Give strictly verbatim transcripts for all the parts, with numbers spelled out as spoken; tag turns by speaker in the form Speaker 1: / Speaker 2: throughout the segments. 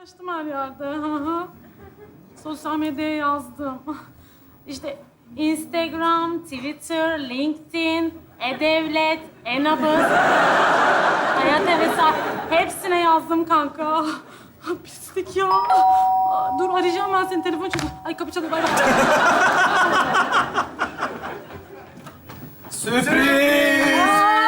Speaker 1: Paylaştım her yerde. Hı hı. Sosyal medyaya yazdım. İşte Instagram, Twitter, LinkedIn, E-Devlet, E-Nabız, Hayat Hevesat. Hepsine yazdım kanka. Pislik ya. Aa, dur arayacağım ben seni. Telefon çalıyor. Ay kapı çalıyor. Bay bay.
Speaker 2: Sürpriz!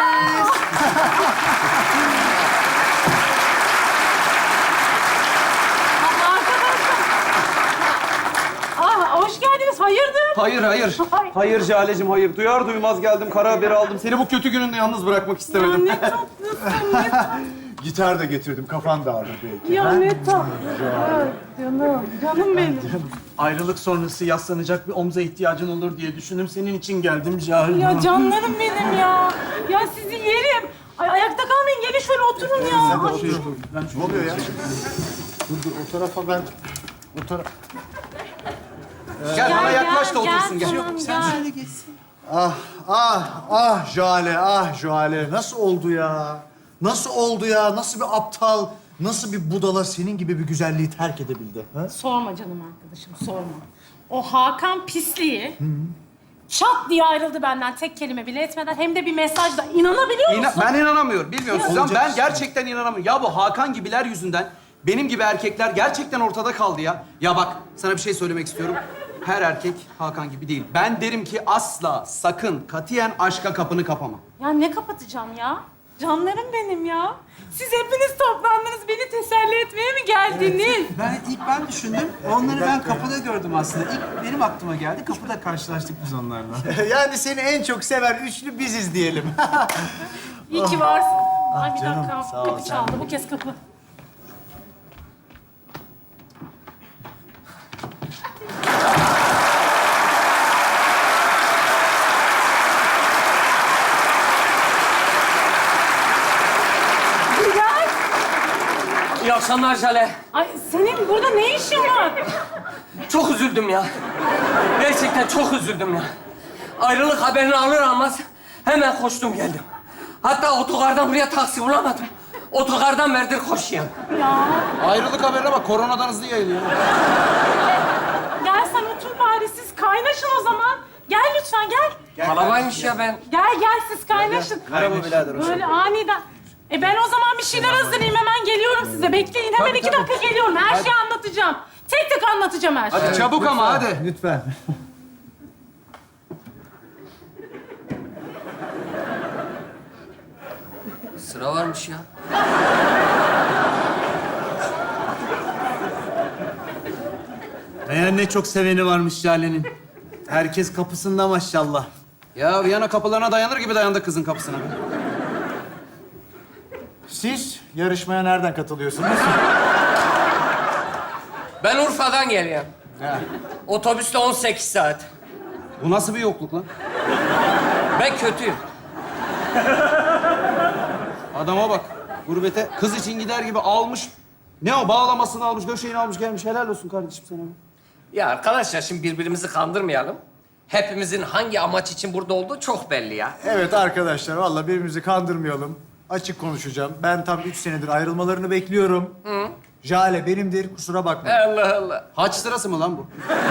Speaker 1: Ah, hoş geldiniz. Hayırdır?
Speaker 2: Hayır, hayır.
Speaker 1: Ay.
Speaker 2: Hayır Jale'cim, hayır. Duyar duymaz geldim, kara haberi aldım. Seni bu kötü gününde yalnız bırakmak
Speaker 1: Ya
Speaker 2: istemedim.
Speaker 1: ne tatlısın, ne tatlısın.
Speaker 3: Gitar da getirdim, kafan dağılır belki.
Speaker 1: Ya ne tatlısın. Canım, canım benim.
Speaker 4: Ayrılık sonrası yaslanacak bir omza ihtiyacın olur diye düşündüm. Senin için geldim Cahil.
Speaker 1: Ya canlarım benim ya. Ya sizi yerim. Ay, ayakta kalmayın. Gelin şöyle oturun ya.
Speaker 3: Sen de
Speaker 1: Ay,
Speaker 3: otur. Ne oluyor ya? Dur dur, o tarafa ben... O tara...
Speaker 2: Gel, bana yaklaş da
Speaker 1: gel,
Speaker 2: otursun. Gel.
Speaker 1: Tamam, gel.
Speaker 3: Ah, ah, ah Jale, ah Jale. Nasıl oldu ya? Nasıl oldu ya? Nasıl bir aptal, nasıl bir budala senin gibi bir güzelliği terk edebildi? Ha?
Speaker 1: Sorma canım arkadaşım, sorma. O Hakan pisliği çat diye ayrıldı benden tek kelime bile etmeden. Hem de bir mesajla. İnanabiliyor musun?
Speaker 2: İna- ben inanamıyorum. Bilmiyorum
Speaker 1: Ya.
Speaker 2: Suzan.
Speaker 3: Olacak
Speaker 2: Ben
Speaker 3: işte.
Speaker 2: gerçekten inanamıyorum. Ya bu Hakan gibiler yüzünden benim gibi erkekler gerçekten ortada kaldı ya. Ya bak, sana bir şey söylemek istiyorum. Her erkek Hakan gibi değil. Ben derim ki asla, sakın, katiyen aşka kapını kapama.
Speaker 1: Ya ne kapatacağım ya? Canlarım benim ya. Siz hepiniz toplandınız, beni teselli etmeye mi geldiniz?
Speaker 4: Ben ilk ben düşündüm. Onları ben kapıda gördüm aslında. İlk benim aklıma geldi. Kapıda karşılaştık biz onlarla.
Speaker 3: Yani seni en çok seven üçlü biziz diyelim.
Speaker 1: İyi ki varsın. Ay bir
Speaker 3: canım,
Speaker 1: dakika,
Speaker 3: sağ ol,
Speaker 1: kapı
Speaker 3: sen
Speaker 1: çaldı. Bu kez kapı. Gel.
Speaker 5: İyi akşamlar Jale.
Speaker 1: Ay senin burada ne işin var?
Speaker 5: Çok üzüldüm ya. Gerçekten çok üzüldüm ya. Ayrılık haberini alır almaz hemen koştum geldim. Hatta otogardan buraya taksi bulamadım. Otogardan verdir koşayım.
Speaker 1: Ya
Speaker 2: Ayrılık haberine bak, koronadan hızlı yayılıyor.
Speaker 1: gel sen otur bari, siz kaynaşın o zaman. Gel lütfen gel.
Speaker 5: Kalabaymış ya ben.
Speaker 1: Gel gel siz kaynaşın.
Speaker 2: Merhaba birader, hoş
Speaker 1: Böyle aniden. E ben o zaman bir şeyler hazırlayayım, hemen geliyorum size. Bekleyin, hemen
Speaker 2: Tabii,
Speaker 1: iki
Speaker 2: tabii.
Speaker 1: dakika geliyorum. Her şeyi anlatacağım. Tek tek anlatacağım her şeyi.
Speaker 2: Hadi çabuk ama hadi.
Speaker 3: Lütfen.
Speaker 5: Sıra varmış ya.
Speaker 4: Meğer ne çok seveni varmış Jale'nin. Herkes kapısında maşallah.
Speaker 2: Ya Viyana kapılarına dayanır gibi dayandı kızın kapısına.
Speaker 3: Siz yarışmaya nereden katılıyorsunuz?
Speaker 5: Ben Urfa'dan geliyorum. Otobüsle on sekiz saat.
Speaker 2: Bu nasıl bir yokluk lan?
Speaker 5: Ben kötüyüm.
Speaker 2: Adama bak. Gurbete kız için gider gibi almış. Ne o? Bağlamasını almış, döşeğini almış gelmiş. Helal olsun kardeşim sana.
Speaker 5: Ya arkadaşlar şimdi birbirimizi kandırmayalım. Hepimizin hangi amaç için burada olduğu çok belli ya.
Speaker 3: Evet arkadaşlar, vallahi birbirimizi kandırmayalım. Açık konuşacağım. Ben tam üç senedir ayrılmalarını bekliyorum. Hı. Jale benimdir, kusura bakma.
Speaker 5: Allah Allah.
Speaker 2: Haç sırası mı lan bu?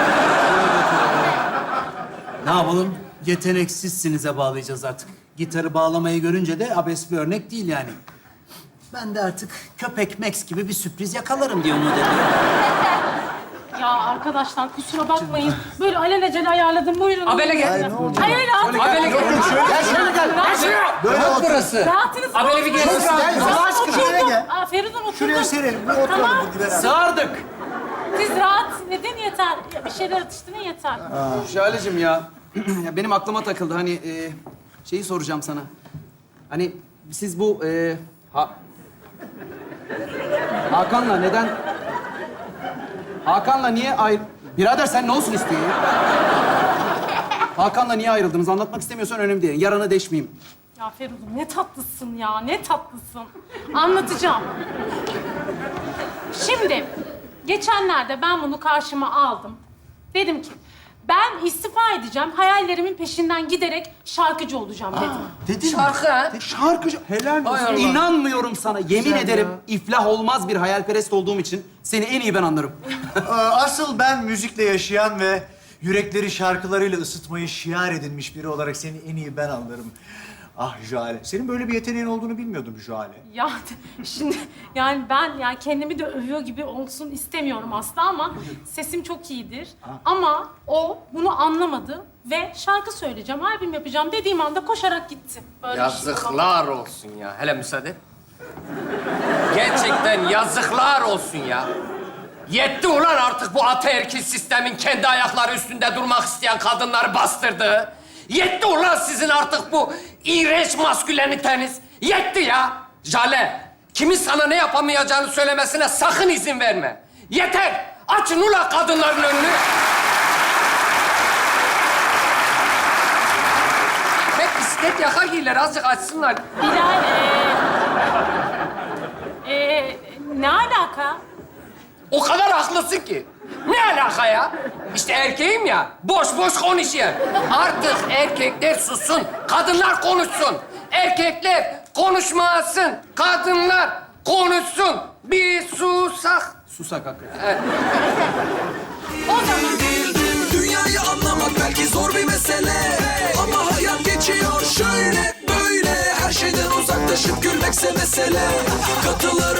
Speaker 4: Ne yapalım? Yeteneksizsinize bağlayacağız artık. Gitarı bağlamayı görünce de abes bir örnek değil yani. Ben de artık köpek Max gibi bir sürpriz yakalarım diye umut ediyorum.
Speaker 1: Ya arkadaşlar kusura bakmayın. Böyle alelacele ayarladım. Buyurun.
Speaker 5: Abele gel.
Speaker 1: Hayır, hayır, hayır.
Speaker 5: Abele gel.
Speaker 3: Gel şöyle gel.
Speaker 1: Rahat-
Speaker 3: Böyle otur.
Speaker 5: Burası.
Speaker 1: Rahatınız
Speaker 5: Abele bir gel.
Speaker 3: Gel, Allah aşkına şuraya gel.
Speaker 1: Aa, Feridun oturdum.
Speaker 3: Şuraya serelim, bir oturalım
Speaker 1: Tamam.
Speaker 3: bir beraber.
Speaker 2: Sağırdık.
Speaker 1: Siz rahat edin yeter. Ya bir şeyler atıştırın yeter.
Speaker 2: Şahalecim ya. Ya benim aklıma takıldı. Hani e, şeyi soracağım sana. Hani siz bu e, ha, Hakan'la neden Hakan'la niye ayrı... Birader sen ne olsun istiyorsun ya? Hakan'la niye ayrıldınız? Anlatmak istemiyorsan önemli değil. Yarana deşmeyeyim.
Speaker 1: Ya Feridun ne tatlısın ya, ne tatlısın. Anlatacağım. Şimdi geçenlerde ben bunu karşıma aldım. Dedim ki Ben istifa edeceğim. Hayallerimin peşinden giderek şarkıcı olacağım dedim.
Speaker 3: Dedin mi?
Speaker 5: Şarkı ha?
Speaker 2: Şarkıcı.
Speaker 3: Helal
Speaker 5: Hay
Speaker 3: olsun.
Speaker 5: Allah.
Speaker 2: İnanmıyorum sana. Yemin
Speaker 3: Güzel
Speaker 2: ederim
Speaker 3: ya.
Speaker 2: iflah olmaz bir hayalperest olduğum için seni en iyi ben anlarım.
Speaker 3: Ee, Asıl ben müzikle yaşayan ve yürekleri şarkılarıyla ısıtmayı şiar edinmiş biri olarak seni en iyi ben anlarım. Ah Jale, senin böyle bir yeteneğin olduğunu bilmiyordum Jale.
Speaker 1: Ya şimdi yani ben yani kendimi de övüyor gibi olsun istemiyorum aslında ama sesim çok iyidir. Ama o bunu anlamadı ve şarkı söyleyeceğim, albüm yapacağım dediğim anda koşarak gitti. Böyle bir şey olamaz.
Speaker 5: Yazıklar olsun ya. Hele müsaade. Gerçekten yazıklar olsun ya. Yetti ulan artık bu ataerkil sistemin kendi ayakları üstünde durmak isteyen kadınları bastırdığı. Yetti ulan sizin artık bu iğrenç masküleniteniz. Yetti ya. Jale, kimin sana ne yapamayacağını söylemesine sakın izin verme. Yeter. Açın ulan kadınların önünü. Hep bisiklet yaka giyirler. Azıcık açsınlar.
Speaker 1: Bilal, ee, ee, ne alaka?
Speaker 5: O kadar haklısın ki. Ne alaka ya? İşte erkeğim ya, boş boş konuşuyor. Artık erkekler sussun, kadınlar konuşsun. Erkekler konuşmasın, kadınlar konuşsun. Bir susak.
Speaker 2: Susak hakikaten.
Speaker 1: O zaman
Speaker 6: Dünyayı anlamak belki zor bir mesele, ama hayat geçiyor şöyle böyle. Her şeyden uzaklaşıp gülmekse mesele. Katılır